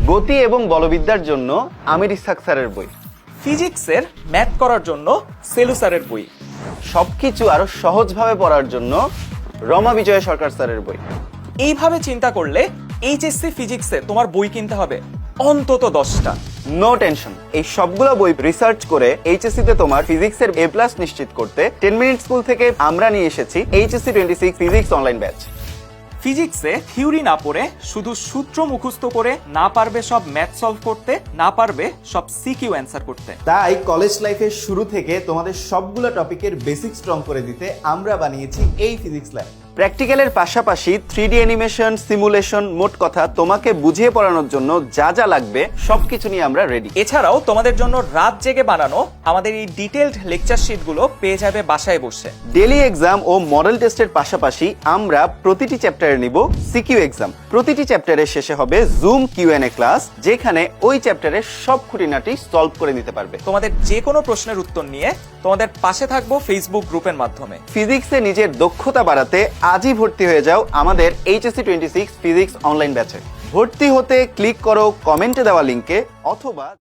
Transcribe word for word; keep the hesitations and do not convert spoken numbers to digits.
গতি এবং বলবিদ্যার জন্য আমির ইসহাক স্যারের বই। ফিজিক্সের ম্যাথ করার জন্য সেলু স্যারের বই। সবকিছু আরো সহজভাবে পড়ার জন্য রমা বিজয় সরকার স্যারের বই। এইভাবে চিন্তা করলে এইচএসসি ফিজিক্সে তোমার বই কিনতে হবে অন্তত দশটা। নো টেনশন, এই সবগুলো বই রিসার্চ করে এইচএসসি তে তোমার ফিজিক্সের এ প্লাস নিশ্চিত করতে টেন মিনিট স্কুল থেকে আমরা নিয়ে এসেছি HSC twenty six physics online batch. ফিজিক্সে থিওরি না পড়ে শুধু সূত্র মুখস্থ করে না পারবে সব ম্যাথ সলভ করতে, না পারবে সব সিকিউ অ্যান্সার করতে। তাই কলেজ লাইফের শুরু থেকে তোমাদের সবগুলো টপিকের বেসিক স্ট্রং করে দিতে আমরা বানিয়েছি এই ফিজিক্স ল্যাব। প্র্যাকটিক্যালের পাশাপাশি থ্রি ডি অ্যানিমেশন, সিমুলেশন, মোট কথা তোমাকে বুঝিয়ে পড়ানোর জন্য যা যা লাগবে সবকিছু নিয়ে আমরা রেডি। এছাড়াও তোমাদের জন্য রাত জেগে বানানো আমাদের এই ডিটেইলড লেকচার শিটগুলো পেয়ে যাবে বাসায় বসে। ডেইলি এক্সাম ও মডেল টেস্টের পাশাপাশি আমরা প্রতিটি চ্যাপ্টারে নিব সিকিউ এক্সাম। প্রতিটি চ্যাপ্টারের শেষে হবে জুম কিউএনএ ক্লাস, যেখানে ওই চ্যাপ্টারের সব খুঁটিনাটি সলভ করে নিতে পারবে। তোমাদের যে কোনো প্রশ্নের উত্তর নিয়ে তোমাদের পাশে থাকবো ফেসবুক গ্রুপের মাধ্যমে। ফিজিক্সে নিজের দক্ষতা বাড়াতে আজই ভর্তি হয়ে যাও আমাদের HSC twenty six physics online ব্যাচে। ভর্তি হতে ক্লিক করো কমেন্টে দেওয়া লিঙ্কে অথবা